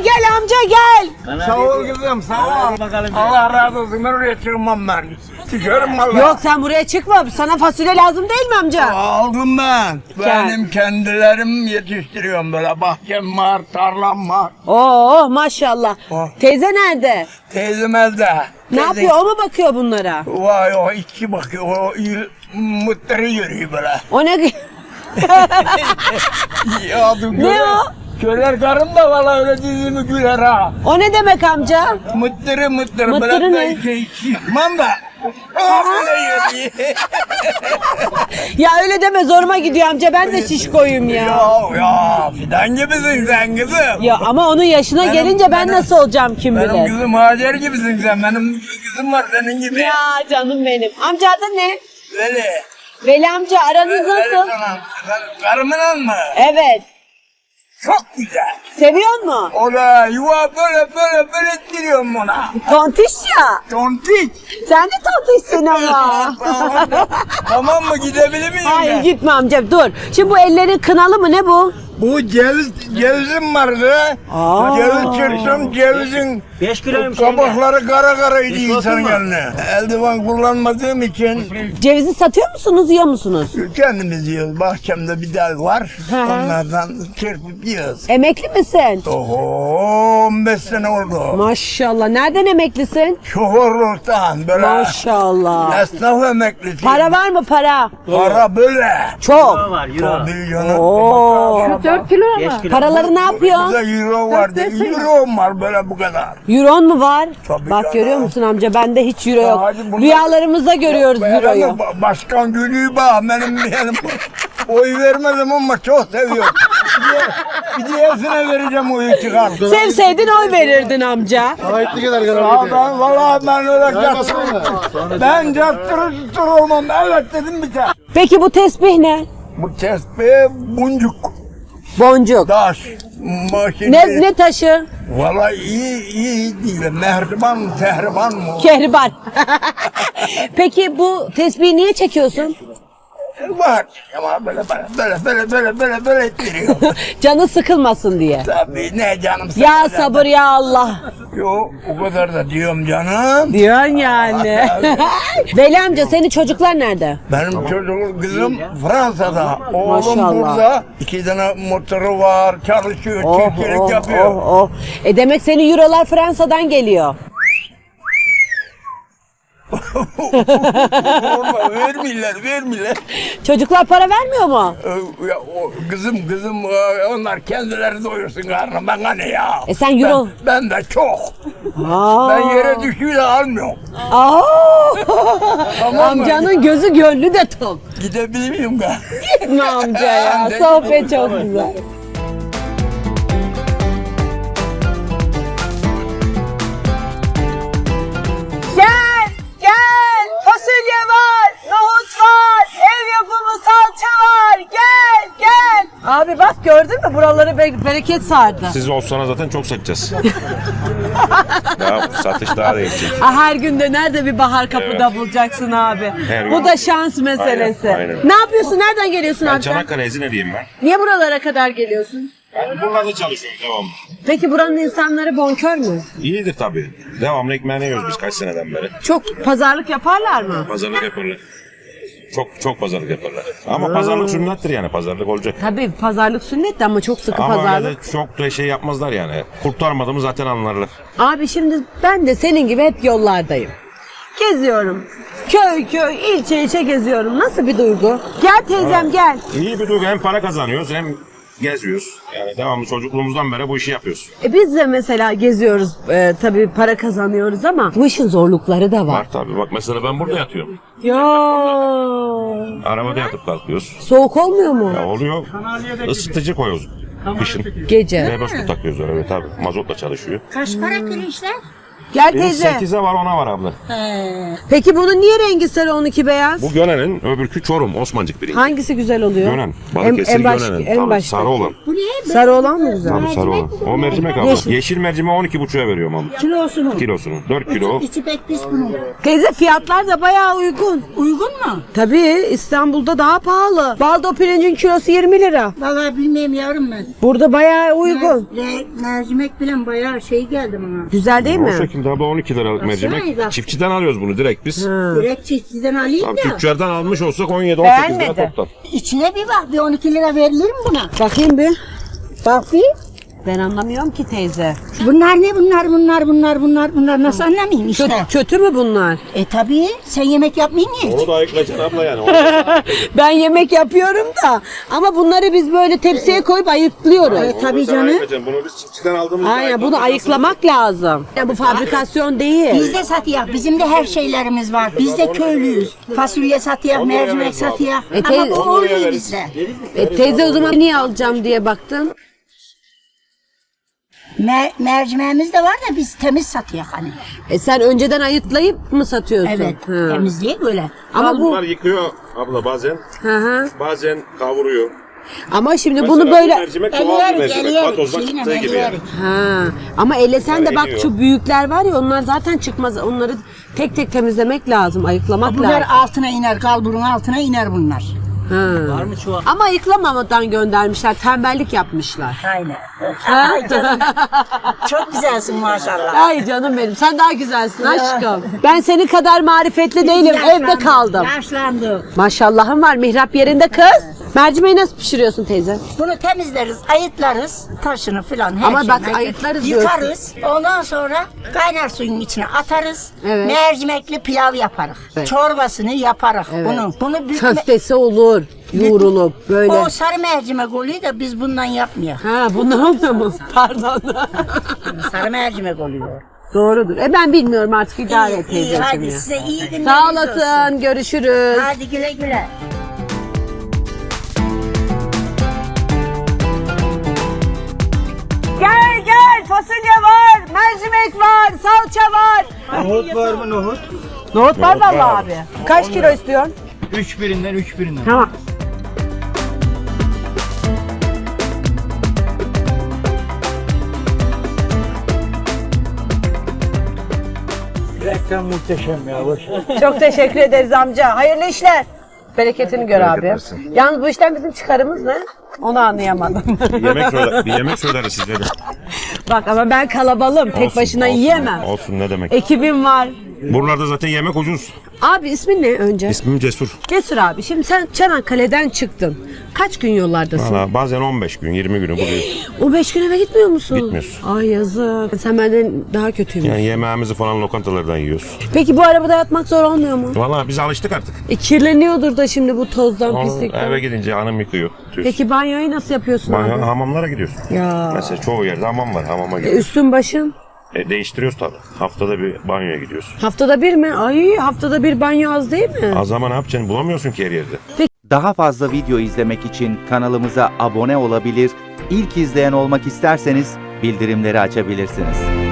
gel amca gel. Sağ ol kızım, sağ ol. Allah razı olsun, ben oraya çıkmam ben. Çıkarım valla. Yok sen buraya çıkma. Sana fasulye lazım değil mi amca? Aldım ben. Benim kendilerim yetiştiriyorum böyle. Bahçem var, tarlam var. Oo maşallah. Oh. Teyze nerede? Teyzem evde. Ne yapıyor? O mu bakıyor bunlara? Vay o içki bakıyor, o mutları yürüyor böyle. O ne? Ya, Ne o? Söyler karım da valla öyle dizimi güler ha. O ne demek amca? Mıttırı Mıttırı böyle ne? çıkmam da. Öyle yürüyor. Ya öyle deme zoruma gidiyor amca. Ben de şişkoyum ya. Ya fidan gibisin sen kızım. Ya ama onun yaşına gelince ben nasıl olacağım kim Benim bilir. kızım Hacer gibisin sen. Benim kızım var senin gibi. Ya canım benim. Amca adı ne? Öyle. Veli amca aranız Öyle nasıl? sana. Karımla mı? Evet. Çok güzel. Seviyor mu? O da yuva böyle ettiriyorum ona. Tontiş ya. Tontik. Sen de tontişsin ama. Tamam mı, gidebilir miyim Hayır ben? gitme amca dur. Şimdi bu ellerin kınalı mı ne bu? Bu cevizim vardı. Aa. Ceviz çırptım, cevizin 5 kiloymuş. kabakları karaydı Hiç insanın olsun mu? eline. Eldiven kullanmadığım için Cevizi satıyor musunuz yiyor musunuz? kendimiz yiyoruz. Bahçemde bir dal var. Hı hı. Onlardan çırpıp yiyoruz. Emekli misin? Oho 15 sene oldu. Maşallah. Nereden emeklisin? Şoförlükten böyle. Maşallah. Esnaf emeklisi. Para var mı para? Para böyle. Çok. Var euro. Tabii canım. Oo. 4 kilo mu? 5 kilo. Paraları ne yapıyorsun? Burada euro vardı. Euro var böyle bu kadar. Euron mu var? Tabii Bak canım. görüyor musun amca? Bende hiç euro Ya yok. hadi bunlar- Rüyalarımızda görüyoruz euroyu. Başkan gülüyor bak benim oy vermedim ama çok seviyorum. Bir diğersine vereceğim oyu çıkar. Sevseydin oy verirdin amca. Aa, ben valla ben öyle ben cattırı olmam. Evet dedim bir tane. Peki bu tesbih ne? Bu tespih buncuk. Boncuk. Taş. Makine. Ne taşı? Valla iyi değil. Mehriban mı tehriban mı? Kehribar. Peki bu tesbihi niye çekiyorsun? Var ama böyle ettiriyor. Canı sıkılmasın diye. Tabii ne canım sen. Ya sabır ya Allah. Yo o kadar da diyorum canım. Diyorsun yani. Veli amca senin çocuklar nerede? Benim çocuğum kızım Fransa'da. Oğlum Maşallah. burada. 2 tane motoru var. Çalışıyor. Çiftçilik yapıyor. oh. Demek senin eurolar Fransa'dan geliyor. Vermiyorlar. Çocuklar para vermiyor mu? Ya, kızım onlar kendileri doyursun karnım. Ben hani ya. Sen euro... Ben de çok. Aa. Ben yere düşüyor da almıyorum. Aa. Tamam mı? Amcanın gözü gönlü de tok. Gidebilir miyim ben? Gitme amca ya. Sohbet çok güzel. Gel. Fasulye var, nohut var, ev yapımı salça var. Gel. Abi bak gördün mü buraları bereket sardı. Siz olsana zaten çok satacağız. Daha satış daha da yüksek. Her gün de nerede bir bahar kapıda bulacaksın abi. Her Bu gün. da şans meselesi. Aynen. Ne yapıyorsun? Nereden geliyorsun Ben abi sen? Çanakkale Ezine'liyim ben. Niye buralara kadar geliyorsun? Burada çalışıyorum devamlı. Peki buranın insanları bonkör mü? İyidir tabii. Devamlı ekmeğini yiyoruz biz kaç seneden beri. Çok pazarlık yaparlar mı? Pazarlık yaparlar. Çok pazarlık yaparlar. Ama pazarlık sünnettir yani, pazarlık olacak. Tabii pazarlık sünnet de ama çok sıkı Ama öyle pazarlık. de çok da şey yapmazlar yani. Kurtarmadığımı zaten anlarlar. Abi şimdi ben de senin gibi hep yollardayım. Geziyorum. Köy, ilçe geziyorum. Nasıl bir duygu? Gel teyzem gel. İyi bir duygu, hem para kazanıyoruz hem geziyoruz. Yani devamlı çocukluğumuzdan beri bu işi yapıyoruz. Biz de mesela geziyoruz. Tabii para kazanıyoruz ama bu işin zorlukları da var. Var tabii, bak mesela ben burada yatıyorum. Ya Arabada yatıp kalkıyoruz. soğuk olmuyor mu? Ya oluyor, ısıtıcı koyuyoruz kışın. Gece. V5 takıyoruz öyle tabii. Mazotla çalışıyor. Kaç para pirinçler? Gel Benim teyze. 8'e var, ona var abla. Peki bunun niye rengi sarı 12 beyaz? Bu Gönen'in, öbürkü Çorum, Osmancık birinci. Hangisi güzel oluyor? Gönen. Balıkesir Gönen'in. En Tabii, başta. sarı olan. Sarı olan mı güzel? Tabii sarı olan. O mercimek abla. Yeşil mercimeği 12,5'a veriyorum abla. Kilosunu. 4 kilo. İçi pek pis bunun. Teyze fiyatlar da bayağı uygun. Uygun mu? Tabii İstanbul'da daha pahalı. Baldo pirincin kilosu 20 lira. Vallahi bilmiyorum yavrum ben. Burada bayağı uygun. Mercimek bilen bayağı şey geldi bana. Güzel değil O mi? şekilde abla 12 liralık mercimek. zaten. Çiftçiden alıyoruz bunu direkt biz. Direkt çiftçiden alayım Tam da. tüccardan almış olsak 17-18 lira Beğenmedi. toptan. İçine bir bak, bir 12 lira verilir mi buna? Bakayım bir. Bak bir. Ben anlamıyorum ki teyze. Bunlar ne bunlar nasıl anlamayayım işte. Kötü mü bunlar? Tabii sen yemek yapmayın ki. Onu da ayıklayacaksın abla yani. Ben yemek yapıyorum da ama bunları biz böyle tepsiye koyup ayıklıyoruz. Tabii canım. Bunu biz çiftçiden aldığımızda Aynen bunu ayıklamak lazım. Ya bu fabrikasyon değil. Biz de satıyor. Bizim de her şeylerimiz var. Biz de köylüyüz. Fasulye satıyor, mercimek satıyor. Ama bu olmuyor bizde. Teyze o zaman niye alacağım diye baktın. Mercimeğimiz de var da biz temiz satıyor hani. Sen önceden ayıtlayıp mı satıyorsun? Evet, Ha. temizliği böyle. Ama bu Bunlar yıkıyor abla bazen. hı. Bazen kavuruyor. Ama şimdi Mesela bunu bu böyle mercimek doğal bir mercimek. Patozdan çıktığı gibi yani. ha. Ama elesen de bak eriyor. şu büyükler var ya onlar zaten çıkmaz. Onları tek tek temizlemek lazım, ayıklamak Bunlar lazım. altına iner, kalburun altına iner bunlar. Ha. Ama ayıklamamadan göndermişler, tembellik yapmışlar. Aynen. Ha? Çok güzelsin maşallah. Ay canım benim, sen daha güzelsin aşkım. Ben senin kadar marifetli değilim, evde kaldım. Yaşlandık. Maşallahım var, mihrap yerinde kız. Mercimeği nasıl pişiriyorsun teyze? Bunu temizleriz, ayıtlarız, taşını filan her Ama şeyini bak, ayıtlarız yıkarız. Ondan sonra kaynar suyun içine atarız. Evet. Mercimekli pilav yaparız. Evet. Çorbasını yaparız Evet. bunu Köftesi olur, yoğrulup böyle. O sarı mercimek oluyor da biz bundan yapmıyoruz. Ha, bunlar olmuyor mu? Pardon. Sarı mercimek oluyor. Doğrudur. Ben bilmiyorum artık, idare et İyi, teyzeciğim hadi ya. size iyi günler. Sağ olsun. olasın, görüşürüz. Hadi güle güle. Gel gel, fasulye var, mercimek var, salça var. Nohut var mı nohut? Nohut var Nohut vallahi var. abi. Kaç kilo istiyorsun? 3 birinden 3 birinden. Tamam. Reklam muhteşem ya. Boş. Çok teşekkür ederiz amca. Hayırlı işler. Bereketini gör abi. Yalnız bu işten bizim çıkarımız ne? Onu anlayamadım. Bir yemek söyleriz size de. Bak ama ben kalabalığım. Tek Olsun, başına olsun. yiyemem. Olsun, ne demek. Ekibim var. Buralarda zaten yemek ucuz. Abi ismin ne önce? İsmim Cesur. Cesur abi. Şimdi sen Çanakkale'den çıktın. Kaç gün yollardasın? Valla bazen 15 gün, 20 günü buluyor. O 5 gün eve gitmiyor musun? Gitmiyoruz. Ay yazık. Sen benden daha kötüymüş. Yani yemeğimizi falan lokantalardan yiyoruz. Peki bu arabada yatmak zor olmuyor mu? Valla biz alıştık artık. Kirleniyordur da şimdi bu tozdan, Onu pislikten. eve gidince hanım yıkıyor. Tüh. Peki banyoyu nasıl yapıyorsun abi? Hamamlara gidiyorsun. Ya. Mesela çoğu yerde hamam var. Hamama gidiyoruz. Üstün başın? Değiştiriyoruz tabii. Haftada bir banyoya gidiyoruz. Haftada bir mi? Ay haftada bir banyo az değil mi? Az zaman ne yapacaksın? Bulamıyorsun ki her yerde. Daha fazla video izlemek için kanalımıza abone olabilir, ilk izleyen olmak isterseniz bildirimleri açabilirsiniz.